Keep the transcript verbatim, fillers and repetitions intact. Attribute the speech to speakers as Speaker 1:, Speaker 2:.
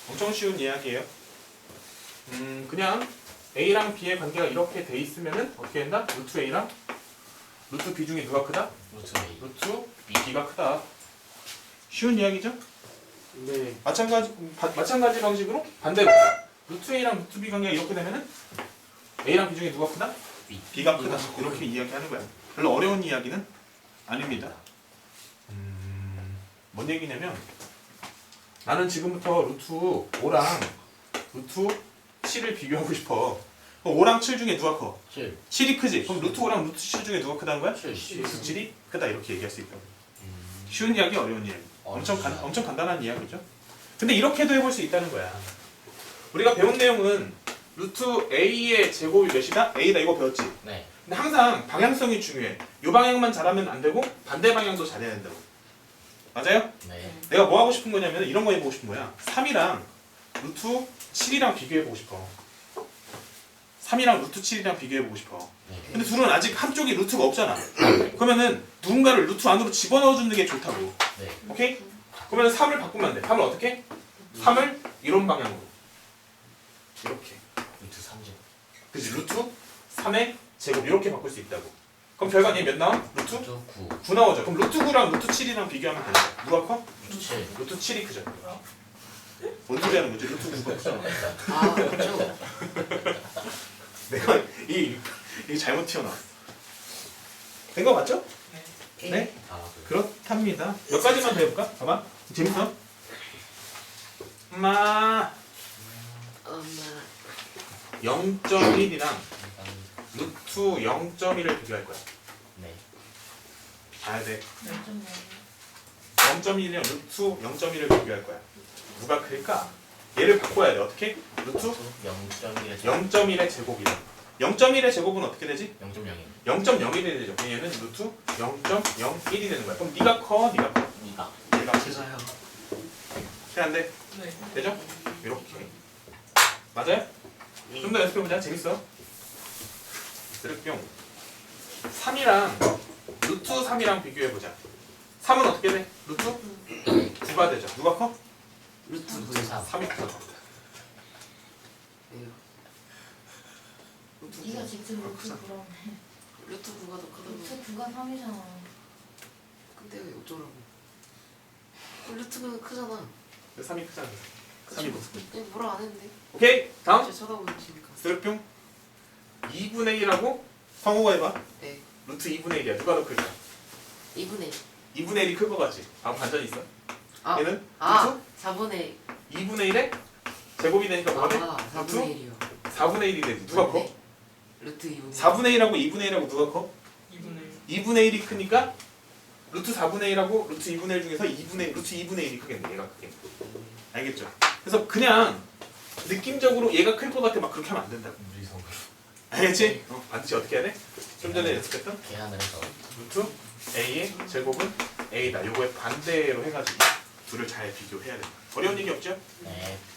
Speaker 1: 엄청 쉬운 이야기예요. 음, 그냥 A랑 B의 관계가 이렇게 돼 있으면은 어떻게 된다? 루트 A랑 루트 B 중에 누가 크다?
Speaker 2: 루트 A.
Speaker 1: 루트 B가 크다. 쉬운 이야기죠?
Speaker 3: 네.
Speaker 1: 마찬가지 바, 마찬가지 방식으로 반대로 루트 A랑 루트 B 관계가 이렇게 되면은 A랑 B 중에 누가 크다?
Speaker 2: B.
Speaker 1: B가 크다. 이렇게 이야기하는 거야. 별로 어려운 이야기는 아닙니다. 음, 뭔 얘기냐면 나는 지금부터 루트 오랑 루트 칠을 비교하고 싶어. 그럼 오랑 칠 중에 누가 커?
Speaker 2: 칠.
Speaker 1: 칠이 크지? 그럼 루트 오랑 루트 칠 중에 누가 크다는 거야?
Speaker 2: 칠.
Speaker 1: 루트 칠이 크다 이렇게 얘기할 수 있다고.
Speaker 2: 음.
Speaker 1: 쉬운 이야기, 어려운 이야기. 엄청 간,
Speaker 2: 어렵다.
Speaker 1: 엄청 간단한 이야기죠. 근데 이렇게도 해볼 수 있다는 거야. 우리가 배운 내용은 루트 A의 제곱이 몇이다? A다 이거 배웠지?
Speaker 2: 네.
Speaker 1: 근데 항상 방향성이 중요해. 이 방향만 잘하면 안 되고 반대 방향도 잘해야 된다고. 맞아요?
Speaker 2: 네.
Speaker 1: 내가 뭐 하고 싶은 거냐면 이런 거 해보고 싶은 거야. 삼이랑 루트 칠이랑 비교해보고 싶어. 삼이랑 루트 칠이랑 비교해보고 싶어.
Speaker 2: 네.
Speaker 1: 근데 둘은 아직 한쪽이 루트가 없잖아. 그러면은 누군가를 루트 안으로 집어넣어주는 게 좋다고.
Speaker 2: 네.
Speaker 1: 오케이? 그러면 삼을 바꾸면 안 돼. 삼을 어떻게? 삼을 이런 방향으로. 이렇게.
Speaker 2: 루트 삼 제곱.
Speaker 1: 그치? 루트 삼의 제곱 이렇게 바꿀 수 있다고. 그럼 결과는 몇 나와? 루트
Speaker 2: 루트 구.
Speaker 1: 구 나오죠. 그럼 루트 구랑 루트 칠이랑 비교하면 되는 거야. 누가 커?
Speaker 2: 루트 칠.
Speaker 1: 루트 칠이 크죠. 뭔 소리 하는 거지? 루트 구가 크잖아.
Speaker 2: 아, 그렇죠.
Speaker 1: 내가 이, 이게 잘못 튀어나왔어. 된 거 맞죠? 네?
Speaker 2: 아, 그래.
Speaker 1: 그렇답니다. 몇 가지만 더 해볼까? 봐봐. 재밌어? 엄마
Speaker 4: 엄마.
Speaker 1: 영 점 일이랑
Speaker 2: 일단
Speaker 1: 루트 영 점 일을 비교할 거야.
Speaker 2: 네.
Speaker 1: 봐야 돼.
Speaker 4: 좀
Speaker 1: 영 점 일이랑 루트 영 점 일을 비교할 거야. 누가 클까? 얘를 바꿔야 돼. 어떻게? 루트
Speaker 2: 영 점 일에
Speaker 1: 영 점 일의 제곱이다. 영 점 일의 제곱은 어떻게 되지?
Speaker 2: 영 점 영이.
Speaker 1: 영 점 영일이 되죠. 그럼 얘는 루트 영 점 영일이 되는 거야. 그럼 네가 커, 네가 커.
Speaker 2: 이가.
Speaker 1: 얘가 커.
Speaker 4: 제가요.
Speaker 1: 돼, 안 돼?
Speaker 4: 네.
Speaker 1: 되죠? 이렇게. 맞아요? 좀 더 연습해보자. 재밌어. 쓰레기용. 삼이랑 루트 삼이랑 비교해보자. 삼은 어떻게 돼? 루트 구가 되죠. 누가 커?
Speaker 4: 루트
Speaker 2: 루트 삼.
Speaker 1: 삼이 커.
Speaker 5: 네가 직접 루트 구라며.
Speaker 4: 루트 구가 더 크다고.
Speaker 5: 루트 구가 삼이잖아.
Speaker 4: 근데 왜 어쩌라고? 루트가 크잖아.
Speaker 1: 삼이 크잖아. 삼이 더 크지.
Speaker 4: 네, 뭐라 안 했는데.
Speaker 1: 오케이. 다음.
Speaker 4: 제 쳐다보시니까.
Speaker 1: 쓰레기용. 이분의 일하고 성우가 해봐.
Speaker 4: 네.
Speaker 1: 루트 이분의 일이야. 누가 더 클까?
Speaker 4: 이분의
Speaker 1: 이분의 일이 클 것 같지? 아, 반전이 있어.
Speaker 4: 아.
Speaker 1: 얘는
Speaker 4: 아. 사분의.
Speaker 1: 이분의 일에 제곱이 되니까 뭐가 돼?
Speaker 4: 아. 사분의 일이요.
Speaker 1: 사분의 일이 되지. 누가 커?
Speaker 4: 루트 이분의.
Speaker 1: 사분의 일하고 이분의 일하고 누가 커?
Speaker 3: 이분의
Speaker 1: 이분의 일이 크니까 루트 사분의 일하고 루트 이분의 일 중에서 이분의 루트 이분의 일이 크겠네. 얘가 크겠네. 알겠죠? 그래서 그냥 느낌적으로 얘가 클 것 같아 막 그렇게 하면 안 된다고.
Speaker 2: 무리성으로.
Speaker 1: 알겠지? 어, 반드시 어떻게 해야 돼? 좀 전에 연습했던
Speaker 2: 계산을 해서.
Speaker 1: 루트 A의 제곱은 A다. 요거에 반대로 해가지고 둘을 잘 비교해야 된다. 어려운 얘기 없죠?
Speaker 2: 네.